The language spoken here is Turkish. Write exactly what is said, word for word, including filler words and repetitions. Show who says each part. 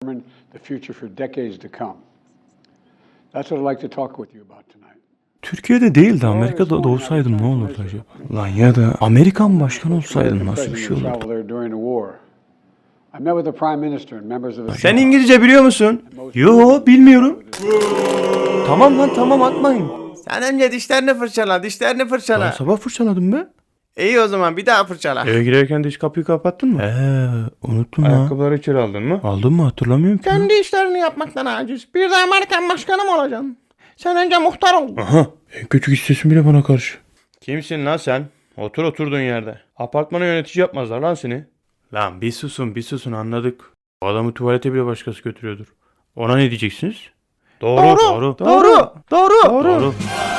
Speaker 1: determine the future for decades to come. That's what I'd like to talk with you about tonight.
Speaker 2: Türkiye'de değil de Amerika'da doğsaydım ne olurdu acaba? Lan ya da Amerikan başkanı olsaydım nasıl bir şey olurdu?
Speaker 3: Sen İngilizce biliyor musun?
Speaker 2: Yo, bilmiyorum. Tamam lan, tamam, atmayın.
Speaker 3: Sen önce dişlerini fırçala, dişlerini
Speaker 2: Ben
Speaker 3: fırçala.
Speaker 2: sabah fırçaladım be.
Speaker 3: İyi o zaman bir daha fırçala.
Speaker 2: Eve girerken diş kapıyı kapattın mı? Eee, unuttum ha.
Speaker 3: Ayakkabıları içeri aldın mı?
Speaker 2: Aldın mı, hatırlamıyorum ki.
Speaker 3: Kendi işlerini yapmaktan aciz. Bir de Amerikan başkanı mı olacaksın? Sen önce muhtar ol.
Speaker 2: Aha, en kötü sesin bile bana karşı.
Speaker 3: Kimsin lan sen? Otur oturduğun yerde. Apartmana yönetici yapmazlar lan seni.
Speaker 2: Lan bir susun, bir susun, anladık. O adamı tuvalete bile başkası götürüyordur. Ona ne diyeceksiniz? Doğru,
Speaker 3: Doğru,
Speaker 2: doğru.
Speaker 3: doğru, doğru.
Speaker 2: Doğru.